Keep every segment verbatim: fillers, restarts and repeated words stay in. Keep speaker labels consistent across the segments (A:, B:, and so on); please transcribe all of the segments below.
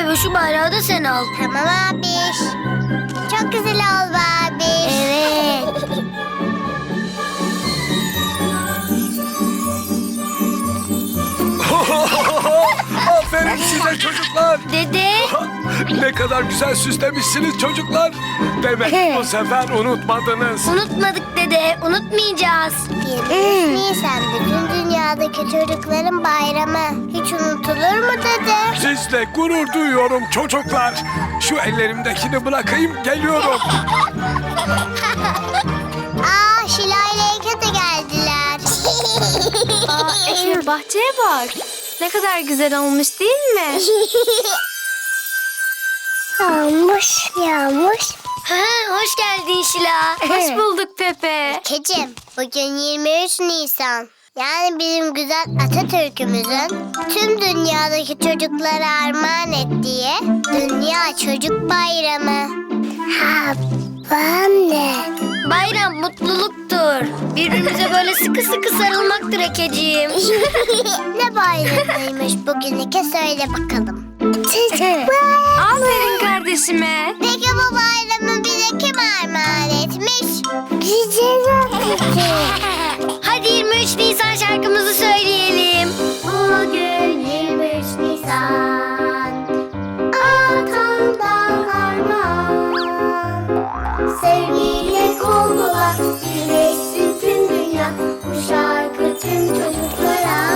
A: bebe, şu bayrağı da sen al.
B: Tamam abiş. Çok güzel oldu abiş.
A: Evet.
C: Aferin size çocuklar.
A: Dede.
C: Ne kadar güzel süslemişsiniz çocuklar. Demek bu sefer unutmadınız.
A: Unutmadık dede, unutmayacağız.
B: yirmi üç Nisan bütün dünyadaki çocukların bayramı. Hiç unutulur mu dede?
C: Sizle gurur duyuyorum çocuklar. Şu ellerimdekini bırakayım, geliyorum.
B: Aa, Şila ile Eke de geldiler.
D: Aa, Efe, bahçeye bak. Ne kadar güzel olmuş değil mi?
B: Yağmış, yağmış.
A: Ha, hoş geldin Şila.
D: Hoş bulduk Pepe.
B: Ekeciğim, bugün yirmi üç Nisan. Yani bizim güzel Atatürk'ümüzün tüm dünyadaki çocuklara armağan ettiği Dünya Çocuk Bayramı. Ha, ben de.
A: Bayram mutluluktur. Birbirimize böyle sıkı sıkı sarılmaktır Ekeciğim.
B: Ne bayramıymış bugün Eke, söyle bakalım.
D: Aferin kardeşime.
B: Peki bu bayramı bize kim armağan etmiş? Güzel Atatürk.
A: Hadi yirmi üç Nisan şarkımızı söyleyelim.
B: Bugün yirmi üç Nisan, atamdan armağan. Sevgiyle kol kola birleşsin tüm dünya, bu şarkı tüm çocuklara.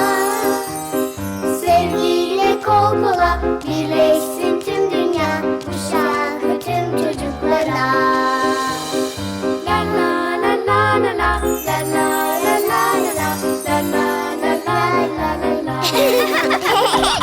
B: Sevgiyle kol kola birleşsin tüm dünya, bu şarkı tüm çocuklara. La la la la la la, la la la la la la, la la la la la la.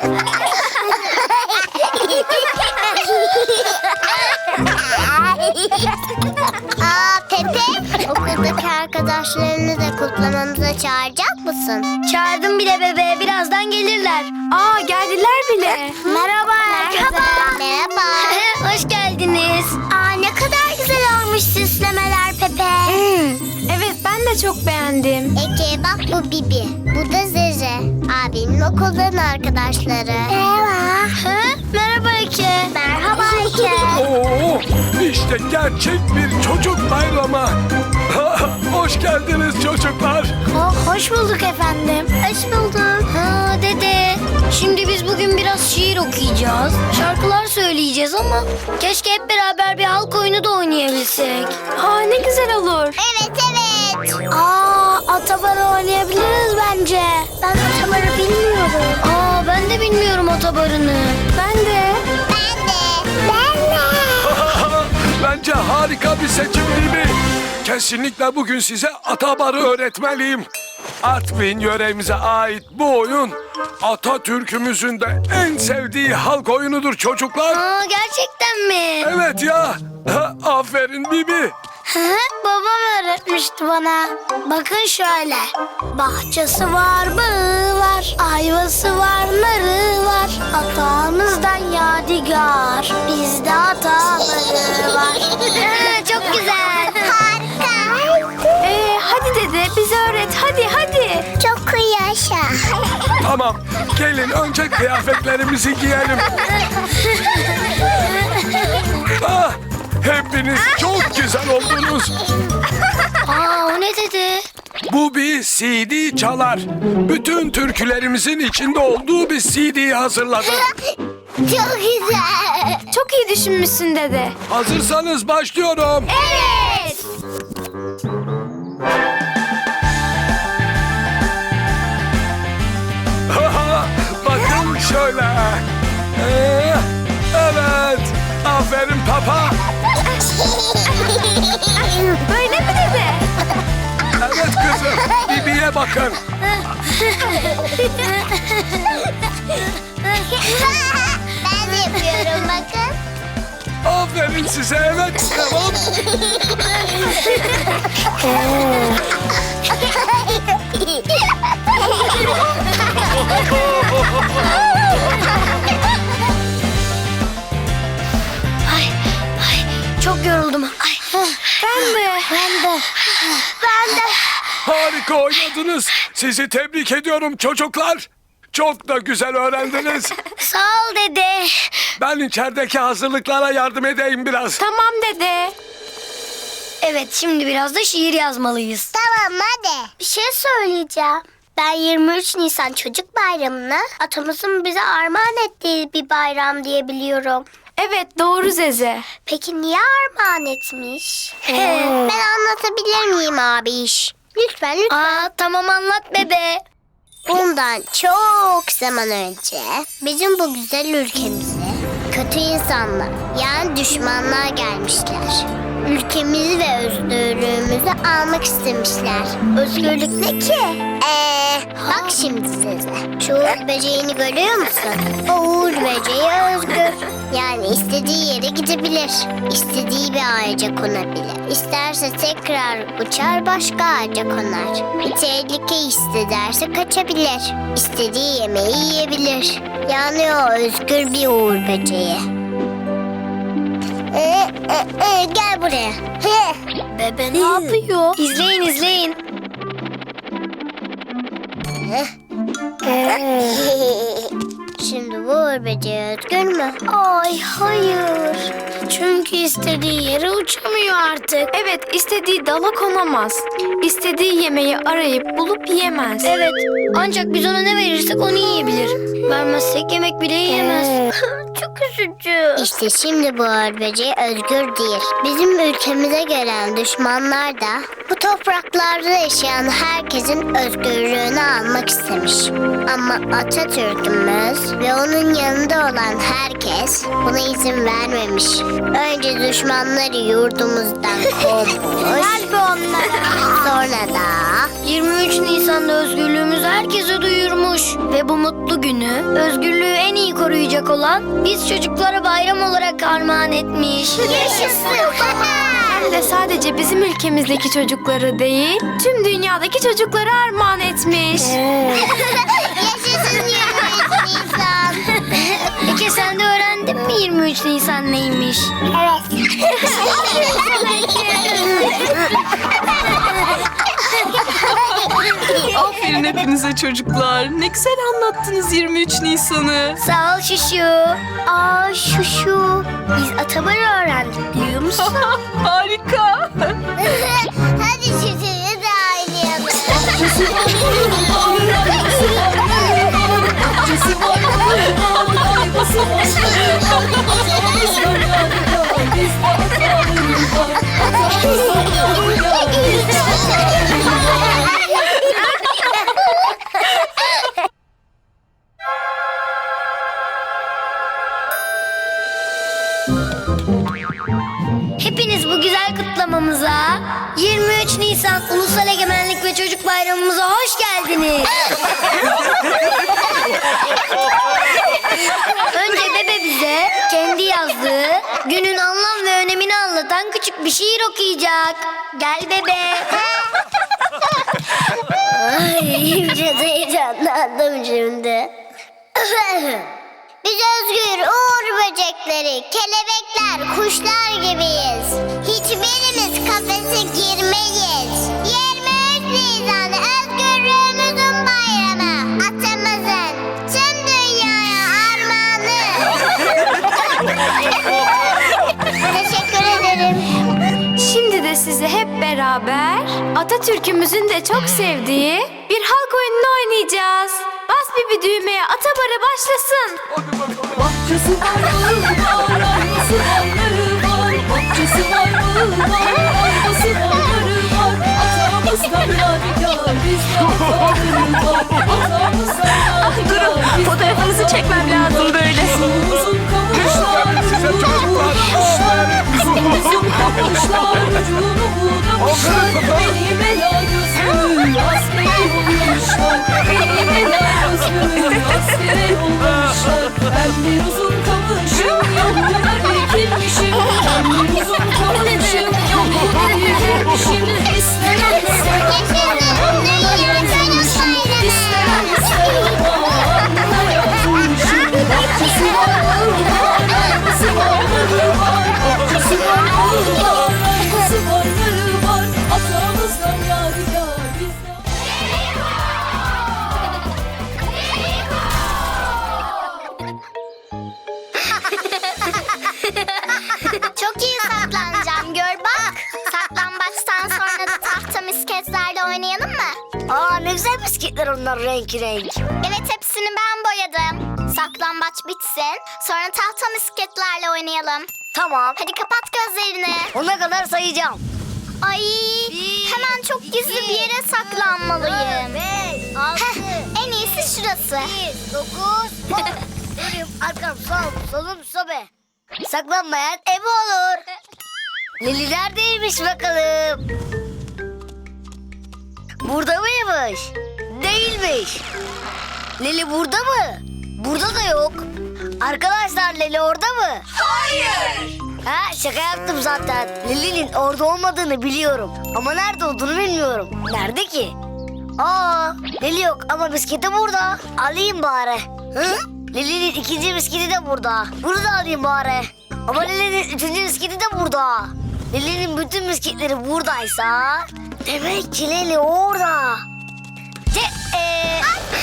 B: Aa Pepe, okuldaki arkadaşlarını da kutlamamıza çağıracak mısın?
A: Çağırdım bile bebe, birazdan gelirler.
D: Aa, geldiler bile.
A: Merhaba herkese.
B: Merhaba.
A: Hoş geldiniz.
B: Aa ne kadar güzel olmuş süslemeler Pepe.
D: Evet, ben de çok beğendim.
B: Eke bak, bu Bibi, bu da Zeze. Abimin okuldan arkadaşları. Merhaba.
A: Ha? Merhaba Eke.
B: Merhaba Eke.
C: Oo, işte gerçek bir çocuk bayramı. Hoş geldiniz çocuklar.
A: Oh, hoş bulduk efendim.
B: Hoş bulduk.
A: Ha dede, şimdi biz bugün biraz şiir okuyacağız. Şarkılar söyleyeceğiz ama keşke hep beraber bir halk oyunu da oynayabilsek.
D: Aa, ne güzel olur.
B: Evet evet.
A: Aa, atabarı oynayabiliriz bence.
B: Ben atabarı bilmiyorum.
A: Aa, ben de bilmiyorum atabarını.
D: Ben de.
B: Ben de. Ben de.
C: Bence harika bir seçim değil mi? Kesinlikle bugün size Atabar'ı öğretmeliyim. Artvin yöremize ait bu oyun Atatürk'ümüzün de en sevdiği halk oyunudur çocuklar.
A: Aa, gerçekten mi?
C: Evet ya. Aferin Bibi.
A: Hı, babam öğretmişti bana. Bakın şöyle. Bahçesi var, bağı var. Ayvası var, narı var. Atamızdan yadigar. Bizde ataları var. Ha, çok güzel.
B: Harika.
D: Ee, hadi dede, bize öğret. Hadi hadi.
B: Çok yaşa.
C: Tamam. Gelin önce kıyafetlerimizi giyelim. Ah, hepiniz çok güzel oldunuz.
A: Aa, o ne dedi?
C: Bu bir C D çalar. Bütün türkülerimizin içinde olduğu bir C D'yi hazırladım.
B: Çok güzel.
D: Çok iyi düşünmüşsün dede.
C: Hazırsanız başlıyorum.
D: Evet.
C: Bakın şöyle. Ee, evet. Aferin papa.
D: Böyle mi dede?
C: Evet kızım. Bibi'ye bakın.
B: Ben de yapıyorum bakın.
C: Aferin size. Evet. Tamam.
A: Ay, ay, çok yoruldum. Ay.
D: Ben de.
A: Ben de. Ben de.
C: Harika oynadınız. Sizi tebrik ediyorum çocuklar. Çok da güzel öğrendiniz.
A: Sağ ol dede.
C: Ben içerideki hazırlıklara yardım edeyim biraz.
D: Tamam dede.
A: Evet, şimdi biraz da şiir yazmalıyız.
B: Tamam hadi. Bir şey söyleyeceğim. Ben yirmi üç Nisan Çocuk Bayramı'nı atamızın bize armağan ettiği bir bayram diye biliyorum.
D: Evet doğru Zeze.
B: Peki niye armağan etmiş? Ben anlatabilir miyim abiş? Lütfen lütfen.
A: Aa, tamam anlat bebe.
B: Bundan çok zaman önce bizim bu güzel ülkemize kötü insanlar yani düşmanlar gelmişler. Ülkemizi ve özgürlüğümüzü almak istemişler. Özgürlük ne ki? Ee, bak şimdi size. Şu uğur böceğini görüyor musun? O uğur böceği özgür. Yani istediği yere gidebilir. İstediği bir ağaca konabilir. İsterse tekrar uçar başka ağaca konar. Bir tehlike hissederse kaçabilir. İstediği yemeği yiyebilir. Yani o özgür bir uğur böceği. Ee, e, e, gel buraya. He.
A: Bebe ne yapıyor? İzleyin izleyin.
B: Şimdi bu uğur böceği özgür mü? Ay hayır.
A: Çünkü istediği yere uçamıyor artık.
D: Evet istediği dala konamaz. İstediği yemeği arayıp bulup yiyemez.
A: Evet, ancak biz ona ne verirsek onu yiyebilir. Vermezsek yemek bile yiyemez.
B: Çok üzücü. İşte şimdi bu uğur böceği özgür değil. Bizim ülkemize gelen düşmanlar da bu topraklarda yaşayan herkesin özgürlüğünü almak istemiş. Ama Atatürk'ümüz ve onun yanında olan herkes buna izin vermemiş. Önce düşmanları yurdumuzdan kovmuş. Sonra da
A: yirmi üç Nisan'da özgürlüğümüzü herkese duyurmuş. Ve bu mutlu günü özgürlüğü en iyi koruyacak olan biz çocuklara bayram olarak armağan etmiş.
B: yaşasın.
D: Hem de sadece bizim ülkemizdeki çocukları değil, tüm dünyadaki çocuklara armağan etmiş.
B: Yaşasın yirmi üç Nisan.
A: Peki sen de öğrendin mi yirmi üç Nisan neymiş?
B: Evet.
E: Aferin hepinize çocuklar. Ne güzel anlattınız yirmi üç Nisan'ı.
A: Sağ ol Şuşu.
B: Aa şu şu. Biz Atabar'ı öğrendik biliyor musun?
E: Harika.
B: Hadi şuşuyu da oynayalım.
A: Hepiniz bu güzel kutlamamıza yirmi üç Nisan Ulusal Egemenlik ve Çocuk Bayramımıza hoş geldiniz. Önce bebe bize kendi yazdığı günün anlam ve önemini anlatan küçük bir şiir okuyacak. Gel bebe.
B: Ay biraz heyecanlandım şimdi. Biz özgür uğur böcekleri, kelebekler, kuşlar gibiyiz. Hiçbirimiz kafese girmeyiz. yirmi üç Nisan özgürlüğümüzün bayramı. Atamızın tüm dünyaya armağanı. Teşekkür ederim.
D: Şimdi de size hep beraber Atatürk'ümüzün de çok sevdiği bir halk oyununu oynayacağız. Bas bir bir düğmeye, Atabarı başlasın.
E: Bahçesi var mı var, arabası varları var. Bahçesi var mı var, arabası varları var. Atamızdan yadigar, bizde ataları var. Atamızdan yadigar, fotoğrafınızı çekmem lazım böyle. Uzun kavuşlar,
C: Size çocuklar.
E: uzun kavuşlar, ucunu budamışlar. Benim ela gözlü, askere yollamışlar. Benim ela gözlü, askere yollamışlar. Ben bir uzun kamışım, yoluna dikilmişim. Ben bir uzun kamışım, yoluna dikilmişim. İstemem istemem, alnına yazılmışım. İstemem istemem, alnına yazılmışım. Bahçesi var, arabası varları var. Bahçesi var, arabası varları var. Atamızdan yadigar bizden.
A: Aa ne güzel bisikletler onlar renk renk.
B: Evet, hepsini ben boyadım. Saklambaç bitsin, sonra tahta misketlerle oynayalım.
A: Tamam.
B: Hadi kapat gözlerini.
A: Ona kadar sayacağım.
B: Ay, hemen çok gizli bir yere saklanmalıyım.
A: beş, altı,
B: Heh, en iyisi şurası.
A: dokuz, on. Önüm, arkam, solum, solum, sobe. Saklanmayan ebe olur. Leli neredeymiş bakalım? Burada mıymış? Değilmiş. Leli burada mı? Burada da yok. Arkadaşlar Leli orada mı?
B: Hayır.
A: Ha şaka yaptım zaten. Lili'nin orada olmadığını biliyorum. Ama nerede olduğunu bilmiyorum. Nerede ki? Aa Lili yok ama bisikleti burada. Alayım bari. Hı? Lili'nin ikinci bisikleti de burada. Bunu da alayım bari. Ama Lili'nin üçüncü bisikleti de burada. Lili'nin bütün bisikletleri buradaysa demek ki Lili orada. Ce ee...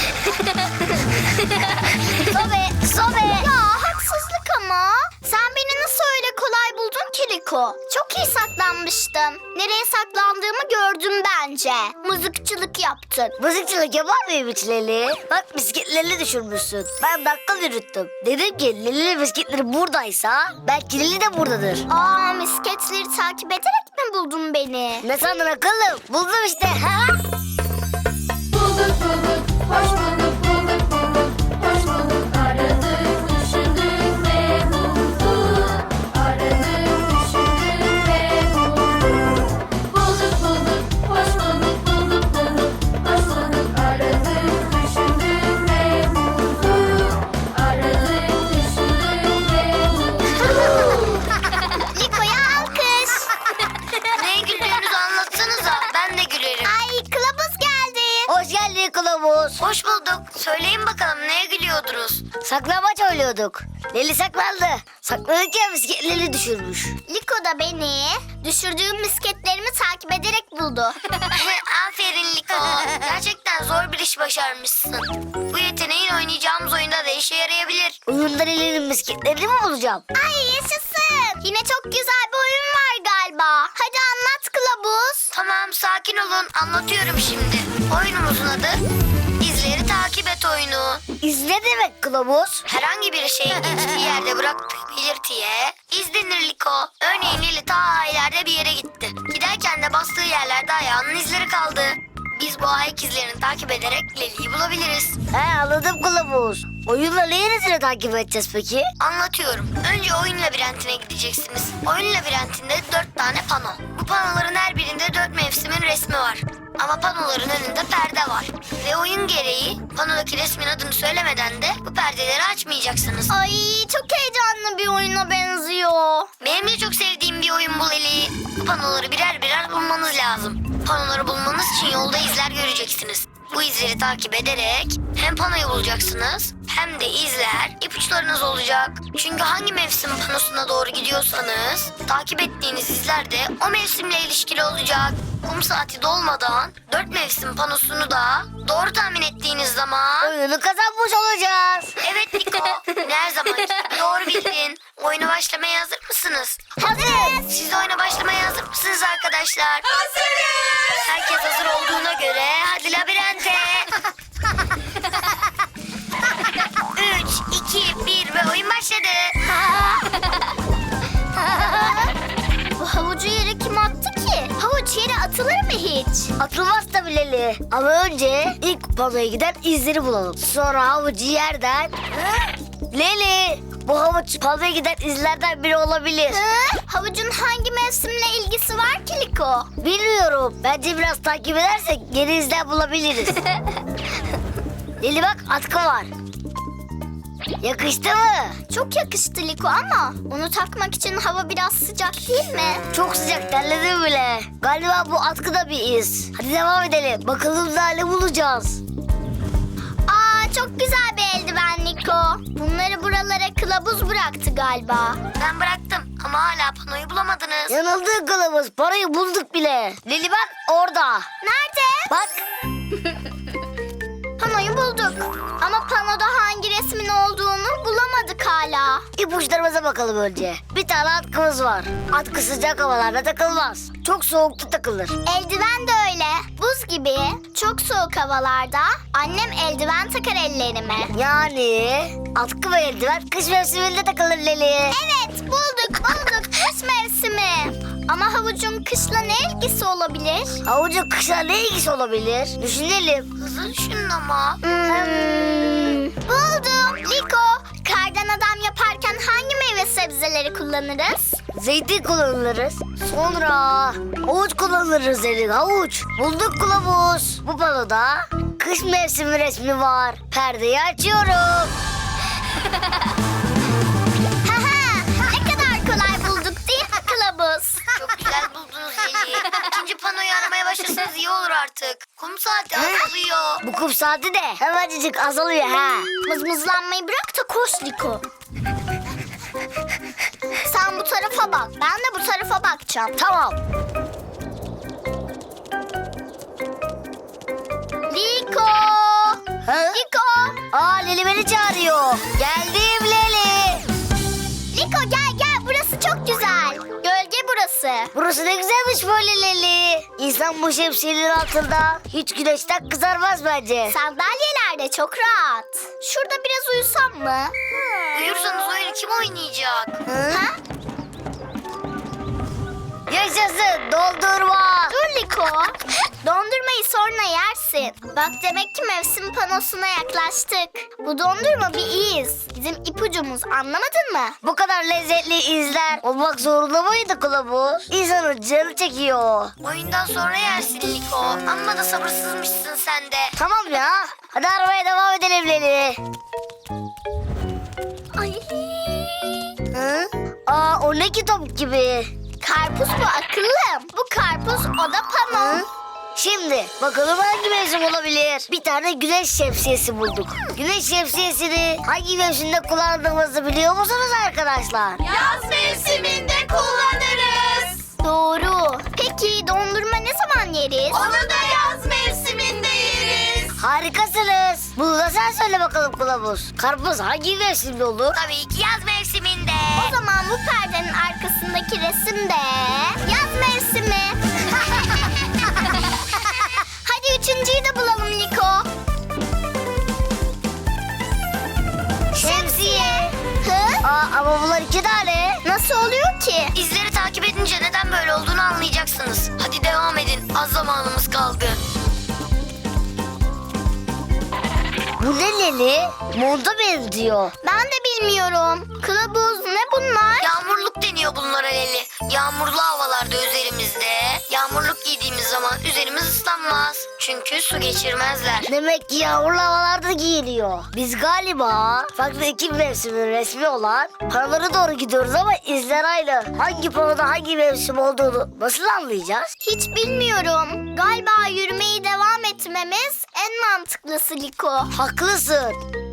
A: sobe sobe.
B: Ya haksızlık ama. Sen beni nasıl öyle kolay buldun ki Liko? Çok iyi saklanmıştım. Nereye saklandığımı gördüm bence. Mızıkçılık yaptın.
A: Mızıkçılık yapar mıyım hiç Leli? Bak bisikletlerini düşürmüşsün. Ben bakkal yürüttüm. Dedim ki Leli'nin bisikletleri buradaysa belki Leli de buradadır.
B: Aa, misketleri takip ederek mi buldun beni?
A: Ne sandın akıllım? Buldum işte. Ha?
E: Bulduk bulduk, hoş bulduk, bulduk bulduk, hoş bulduk. Aradık, düşündük ve bulduk. Aradık, düşündük ve bulduk. Bulduk bulduk, hoş bulduk, bulduk bulduk, hoş bulduk. Aradık, düşündük ve bulduk. Aradık, düşündük ve bulduk.
B: Liko'ya alkış.
A: Neye gülüyorsunuz anlatsanıza. Ben de gülerim.
B: Ay, kılavuz geldi.
A: Hoş geldin kılavuz. Hoş bulduk. Söyleyin bakalım neye gülüyordunuz? Saklambaç oynuyorduk. Leli saklandı. Saklanırken bisikletleri düşürmüş.
B: Liko da beni düşürdüğüm misketlerimi takip ederek buldu.
A: Aferin Liko. Gerçekten zor bir iş başarmışsın. Bu yeteneğin oynayacağımız oyunda da işe yarayabilir. Oyunda Leli'nin bisikletlerini mi bulacağım?
B: Ay yaşasın. Yine çok güzel bir oyun var galiba. Hadi anlat kılavuz.
A: Tamam sakin olun anlatıyorum şimdi. Oyunumuzun adı İzleri Takip Et oyunu. İz ne demek kılavuz? Herhangi bir şeyin geçtiği yerde bıraktığı belirtiye iz denir Liko. Örneğin Lili ta ileride bir yere gitti. Giderken de bastığı yerlerde ayağının izleri kaldı. Biz bu ayak izlerini takip ederek Leli'yi bulabiliriz. He anladım kılavuz. Oyunla neresini takip edeceğiz peki? Anlatıyorum. Önce oyun labirentine gideceksiniz. Oyun labirentinde dört tane pano. Bu panoların her birinde dört mevsimin resmi var. Ama panoların önünde perde var. Ve oyun gereği panodaki resmin adını söylemeden de bu perdeleri açmayacaksınız.
B: Ay çok heyecanlı bir oyuna benziyor.
A: Benim de çok sevdiğim bir oyun bu Leli. Bu panoları birer birer bulmanız lazım. Panoları bulmanız için yolda izler göreceksiniz. Bu izleri takip ederek hem panoyu bulacaksınız hem de izler ipuçlarınız olacak. Çünkü hangi mevsim panosuna doğru gidiyorsanız takip ettiğiniz izler de o mevsimle ilişkili olacak. Kum saati dolmadan dört mevsim panosunu da doğru tahmin ettiğiniz zaman oyunu kazanmış olacağız. Evet Niko. Her zaman doğru bildin. Oyuna başlamaya hazır mısınız?
B: Hazırız.
A: Siz oyuna başlamaya hazır mısınız arkadaşlar?
B: Hazırız.
A: Herkes hazır olduğuna göre hadi labirente. Üç, iki, bir ve oyun başladı.
B: Bu havucu yere kim attı ki? Havuç yere atılır mı hiç?
A: Atılmaz tabii Leli. Ama önce ilk panoya giden izleri bulalım. Sonra havucu yerden... Leli, bu havuç panoya giden izlerden biri olabilir.
B: Hı? Havucun hangi mevsimle ilgisi var ki Liko?
A: Bilmiyorum. Bence biraz takip edersek yeni izler bulabiliriz. Leli bak atkı var. Yakıştı mı?
B: Çok yakıştı Liko ama onu takmak için hava biraz sıcak değil mi?
A: Çok sıcak terledim bile. Galiba bu atkı da bir iz. Hadi devam edelim. Bakalım daha ne bulacağız.
B: Aa çok güzel bir eldiven Liko. Bunları buralara kılavuz bıraktı galiba.
A: Ben bıraktım ama hala panoyu bulamadınız. Yanıldık kılavuz. Parayı bulduk bile. Leli bak orada.
B: Nerede?
A: Bak.
B: Panoyu bulduk. Ama panoda hangi resmin olduğunu bulamadık hala.
A: İpuçlarımıza bakalım önce. Bir tane atkımız var. Atkı sıcak havalarda takılmaz. Çok soğukta takılır.
B: Eldiven de öyle. Buz gibi. Çok çok soğuk havalarda annem eldiven takar ellerime.
A: Yani atkı ve eldiven kış mevsiminde takılır Leli.
B: Evet, bulduk bulduk, kış mevsimi. Ama havucun kışla ne ilgisi olabilir?
A: Havucun kışla ne ilgisi olabilir? Düşünelim. Hızlı düşünün ama.
B: Hmm, buldum. Liko, kardan adam yaparken hangi meyve sebzeleri kullanırız?
A: Zeytin kullanırız. Sonra havuç kullanırız dedik. Havuç. Bulduk kılavuz. Bu panoda kış mevsimi resmi var. Perdeyi açıyorum.
B: Haha, ne kadar kolay bulduk değil mi kılavuz?
A: Çok güzel buldunuz Leli. İkinci panoyu aramaya başlasanız iyi olur artık. Kum saati azalıyor. Bu kum saati de hemencik azalıyor ha.
B: Mızmızlanmayı bırak da koş Liko. Sen bu tarafa bak, ben de bu tarafa bakacağım.
A: Tamam.
B: Liko!
A: Ha?
B: Liko!
A: Aa Leli beni çağırıyor. Geldim Leli.
B: Liko gel gel, burası çok güzel. Gölge burası.
A: Burası ne güzelmiş böyle Leli. İnsan bu şemsiyenin altında hiç güneşten kızarmaz bence.
B: Sandalyeler de çok rahat. Şurada biraz uyusam mı?
A: Uyursanız oyunu kim oynayacak?
B: Ha?
A: Yaşasın dondurma.
B: Dur Liko. Dondurmayı sonra yersin. Bak demek ki mevsim panosuna yaklaştık. Bu dondurma bir iz. Bizim ipucumuz, anlamadın mı?
A: Bu kadar lezzetli izler olmak zorunda mıydı kılavuz? İnsanın canı çekiyor. Oyundan sonra yersin Liko. Amma da sabırsızmışsın sen de. Tamam ya. Hadi arabaya devam edelim Leli.
B: Ay.
A: Hı? Aa o ne ki top gibi.
B: Karpuz bu akıllım. Bu karpuz, o da pano.
A: Hı? Şimdi bakalım hangi mevsim olabilir? Bir tane güneş şemsiyesi bulduk. Güneş şemsiyesini hangi mevsimde kullandığımızı biliyor musunuz arkadaşlar?
E: Yaz mevsiminde kullanırız.
B: Doğru. Peki dondurma ne zaman yeriz?
E: Onu da yaz mevsiminde yeriz.
A: Harikasınız. Bunu da sen söyle bakalım kılavuz. Karpuz hangi mevsimde olur? Tabii ki yaz mevsiminde.
B: O zaman bu perdenin arkasındaki resim de yaz mevsimi. Hadi üçüncüyü de bulalım Liko.
A: Şemsiye.
B: Hı?
A: Aa, ama bunlar iki tane.
B: Nasıl oluyor ki?
A: İzleri takip edince neden böyle olduğunu anlayacaksınız. Hadi devam edin. Az zamanımız kaldı. Bu ne Leli? Monda benziyor.
B: Ben de bilmiyorum. Kılavuz ne bunlar?
A: Yağmurluk deniyor bunlara Leli. Yağmurlu havalarda üzerimizde. Yağmurluk giydiğimiz zaman üzerimiz ıslanmaz. Çünkü su geçirmezler. Demek ki yağmurlu havalarda giyiliyor. Biz galiba farklı iki mevsimin resmi olan panolara doğru gidiyoruz ama izler aynı. Hangi panoda hangi mevsim olduğunu nasıl anlayacağız?
B: Hiç bilmiyorum. Galiba yürümeyi devam etmemiz en mantıklısı Liko.
A: Haklısın.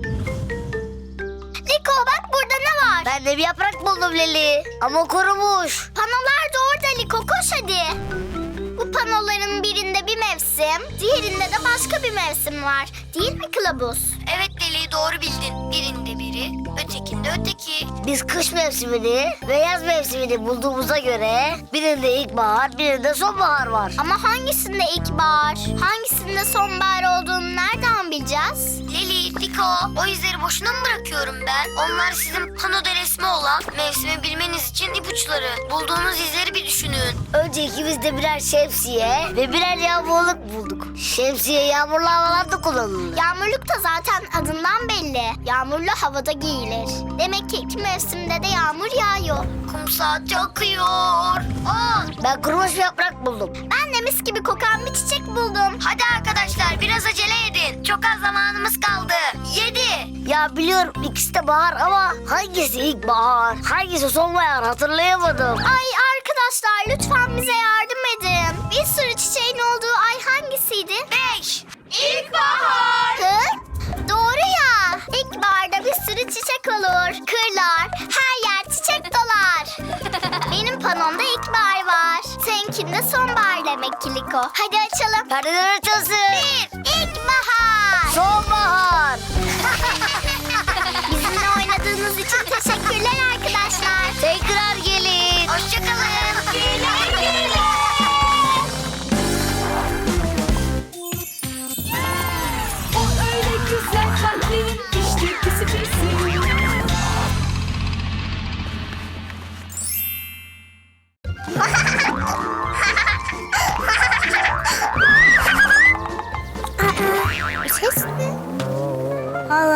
B: Liko bak burada ne var?
A: Ben de bir yaprak buldum Leli. Ama kurumuş.
B: Panolar da orada Liko, koş hadi. Bu panoların birinde bir mevsim, diğerinde de başka bir mevsim var. Değil mi kılavuz?
A: Evet Leli doğru bildin. Birinde biri, ötekinde öteki. Biz kış mevsimini ve yaz mevsimini bulduğumuza göre birinde ilkbahar, birinde sonbahar var.
B: Ama hangisinde ilkbahar, hangisinde sonbahar olduğunu nereden bileceğiz?
A: Leli, Liko, o izleri boşuna mı bırakıyorum ben? Onlar sizin panoda resmi olan mevsimi bilmeniz için ipuçları. Bulduğunuz izleri bir düşünün. Önce ikimiz de birer şemsiye ve birer yağmurluk bulduk. Şemsiye yağmurlu havalarda kullanılır.
B: Yağmurluk da zaten adından belli. Yağmurlu havada giyilir. Demek ki iki mevsimde de yağmur yağıyor.
A: Kum saati akıyor. Aa, ben kurumuş bir yaprak buldum.
B: Ben de mis gibi kokan bir çiçek buldum.
A: Hadi arkadaşlar biraz acele edin. Çok az zamanımız kaldı. Yedi. Ya biliyorum ikisi de bahar ama hangisi ilkbahar, hangisi sonbahar hatırlayamadım.
B: Ay arkadaşlar lütfen bize yardım edin. Bir sürü çiçeğin olduğu ay hangisiydi?
A: Beş.
B: İlkbahar. Hı? Doğru ya. İlkbaharda bir sürü çiçek olur. Kırlar, her yer çiçek dolar. Benim panomda ilkbahar var. Seninkinde sonbahar demek ki Liko. Hadi açalım.
A: Perdeler açılsın.
B: Bir, ilkbahar.
A: Sonbahar.
B: Bizimle oynadığınız için teşekkürler arkadaşlar.
A: Tekrar gelin. Hoşçakalın.
B: Güle güle.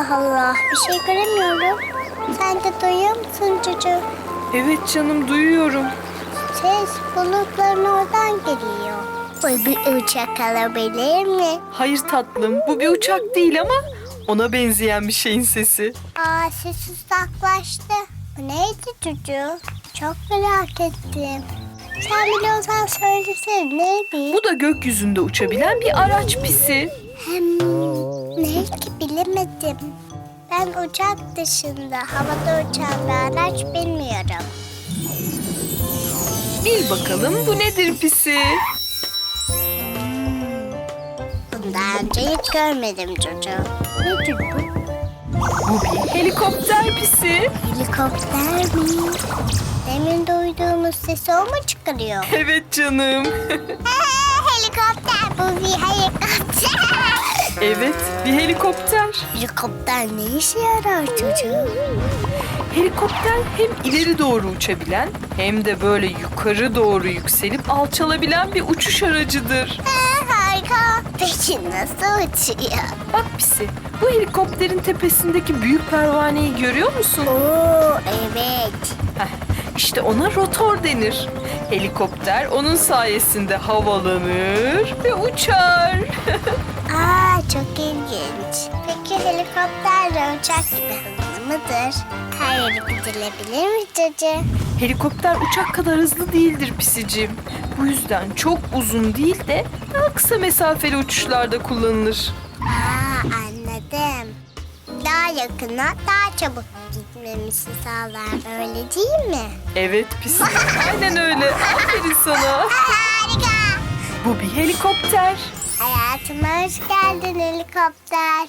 B: Allah Allah, bir şey göremiyorum. Sen de duyuyor musun çocuğum?
E: Evet canım, duyuyorum.
B: Ses bulutların oradan geliyor. Bu bir uçak alabilir mi?
E: Hayır tatlım, bu bir uçak değil ama ona benzeyen bir şeyin sesi.
B: Aa, ses uzaklaştı. Bu neydi çocuğum? Çok merak ettim. Sen biliyorsan söylesene, neydi?
E: Bu da gökyüzünde uçabilen bir araç Pisi.
B: Hem ne ki bilemedim. Ben uçak dışında havada uçan bir araç bilmiyorum.
E: Bil bakalım bu nedir Pisi?
B: Bunu daha önce hiç görmedim çocuğum. Nedir bu?
E: Bu bir helikopter Pisi.
B: Helikopter mi? Demin duyduğumuz sesi o mu çıkarıyor?
E: Evet canım.
B: Helikopter, bu bir helikopter.
E: Evet, bir helikopter.
B: Helikopter ne işe yarar çocuğum?
E: Helikopter hem ileri doğru uçabilen hem de böyle yukarı doğru yükselip alçalabilen bir uçuş aracıdır.
B: Harika. Peki nasıl uçuyor?
E: Bak Pisi, bu helikopterin tepesindeki büyük pervaneyi görüyor musun?
B: Oo, evet.
E: Heh, işte ona rotor denir. Helikopter onun sayesinde havalanır ve uçar.
B: Aa, çok ilginç. Peki helikopterle uçak gibi hızlı mıdır? Her yere gidilebilir mi çocuğum?
E: Helikopter uçak kadar hızlı değildir Pisicim. Bu yüzden çok uzun değil de daha kısa mesafeli uçuşlarda kullanılır.
B: Aa, anladım. Daha yakına, daha çabuk gitmemizi sağlar, öyle değil mi?
E: Evet Pisi, aynen öyle. Aferin sana.
B: Harika.
E: Bu bir helikopter.
B: Hayatıma hoş geldin helikopter.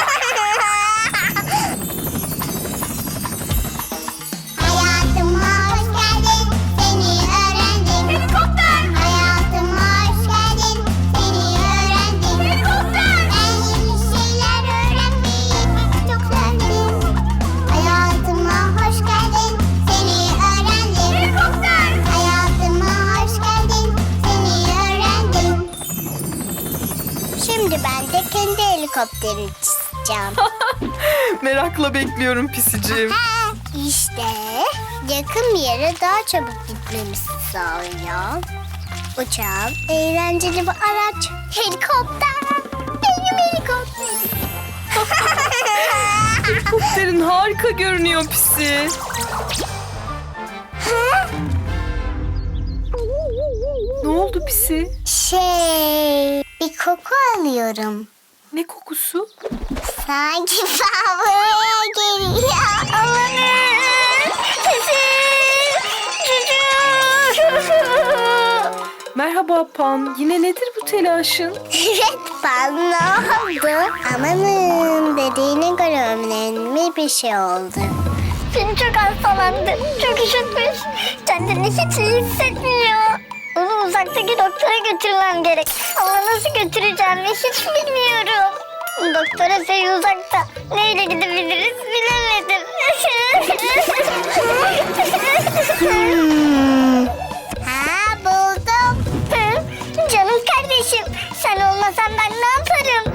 B: Hayatıma hoş geldin, seni öğrendim. Helikopter. Hayatıma hoş geldin, seni öğrendim. Helikopter. Ben yeni şeyler öğrenmeyi çok sevdim. Hayatıma hoş geldin, seni öğrendim. Helikopter. Hayatıma hoş geldin, seni öğrendim. Şimdi ben de kendi helikopterimi çizeceğim.
E: Merakla bekliyorum Pisicim.
B: Ha, işte yakın bir yere daha çabuk gitmemizi sağlıyor. Uçağım, eğlenceli bir araç. Helikopter. Benim helikopterim.
E: Helikopterin harika görünüyor Pisi. Ne oldu Pisi?
B: Şey, bir koku alıyorum.
E: Ne kokusu?
B: Sanki fabrikaya geliyor. Amanın.
E: Merhaba Pan. Yine nedir bu telaşın?
B: Evet, bana ne oldu? Amanın, dediğine göre önemli bir şey oldu. Seni çok hastalandı, çok üşütmüş. Kendini hiç iyi hissetmiyor. Onu uzaktaki doktora götürmem gerek. Ama nasıl götüreceğimi hiç bilmiyorum. Doktora şey uzakta. Neyle gidebiliriz bilemedim. hmm. Ha, buldum. Hı? Canım kardeşim, sen olmasan ben ne yaparım?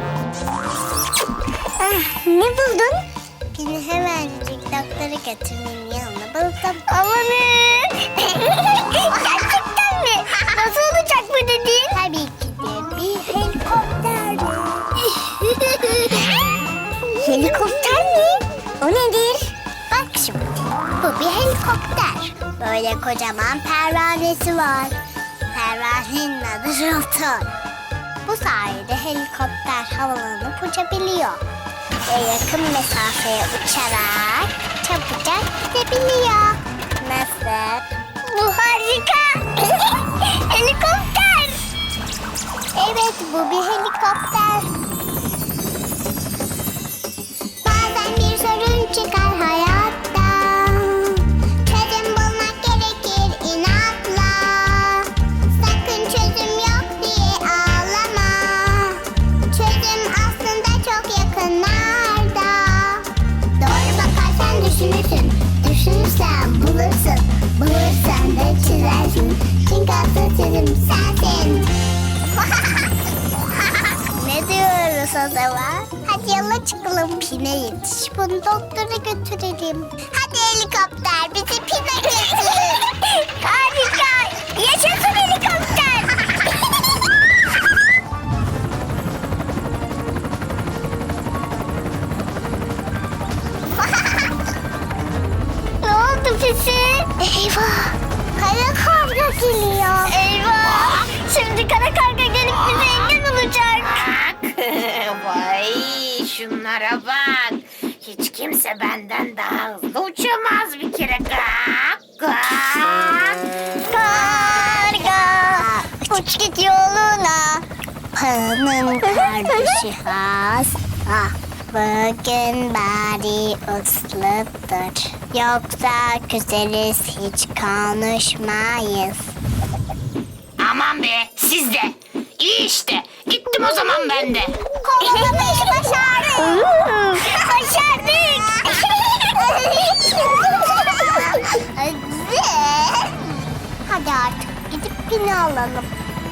B: Ah, ne buldun? Beni hemencik doktora götürmenin yanına buldum. Amanın! Gerçekten mi? Nasıl olacak bu dediğin? Tabii ki de bir helikopter. Helikopter mi? O nedir? Bak şimdi, bu bir helikopter. Böyle kocaman pervanesi var. Pervanenin adı rotor. Bu sayede helikopter havalanıp uçabiliyor. Ve yakın mesafeye uçarak çabucak gidebiliyor. Nasıl? Bu harika. Helikopter. Evet, bu bir helikopter. Bazen bir sorun çıkar hayatta. Çözüm bulmak gerekir inatla. Sakın çözüm yok diye ağlama. Çözüm aslında çok yakınlarda. Doğru bakarsan düşünürsün. Düşünürsen bulursun. Bulursan da çizersin. Çünkü asıl çözüm sensin. Ne diyorum? gidiyoruz o zaman? Hadi yola çıkalım. Pine yetiş. Bunu doktora götürelim. Hadi helikopter bizi Pine götür. Harika. Yaşasın helikopter. Ne oldu Pisi? Eyvah. Kara karga geliyor. Eyvah. Şimdi kara karga gelip bize engel olacak.
F: Vay şunlara bak. Hiç kimse benden daha hızlı uçamaz bir kere. Gak, gak.
B: Karga uç git yoluna. Paranın kardeşi hasta. Bugün bari usludur. Yoksa küseriz hiç konuşmayız.
F: Aman be siz de. İyi işte. Gittim o zaman ben de.
B: Kovalamayı başardık. Başardık. Hadi artık gidip Pini alalım.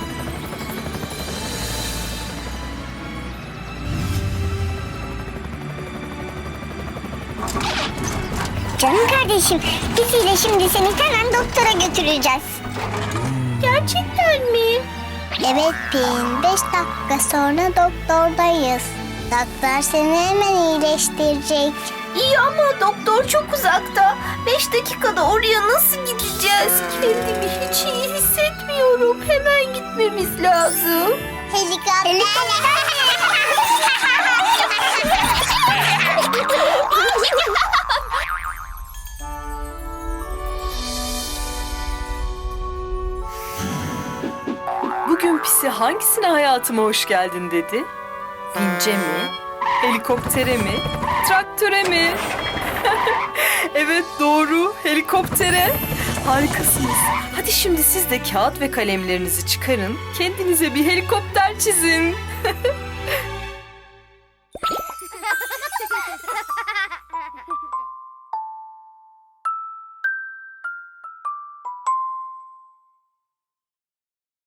B: Canım kardeşim, Pisi'yle şimdi seni hemen doktora götüreceğiz. Gerçekten mi? Evet Pin, beş dakika sonra doktordayız. Doktor seni hemen iyileştirecek.
E: İyi ama doktor çok uzakta. Beş dakikada oraya nasıl gideceğiz? Kendimi hiç iyi hissetmiyorum. Hemen gitmemiz lazım.
B: Helikopter.
E: Bugün Pisi hangisine hayatıma hoş geldin dedi? Vince mi? Helikoptere mi? Traktöre mi? Evet doğru, helikoptere. Harikasınız. Hadi şimdi siz de kağıt ve kalemlerinizi çıkarın. Kendinize bir helikopter çizin.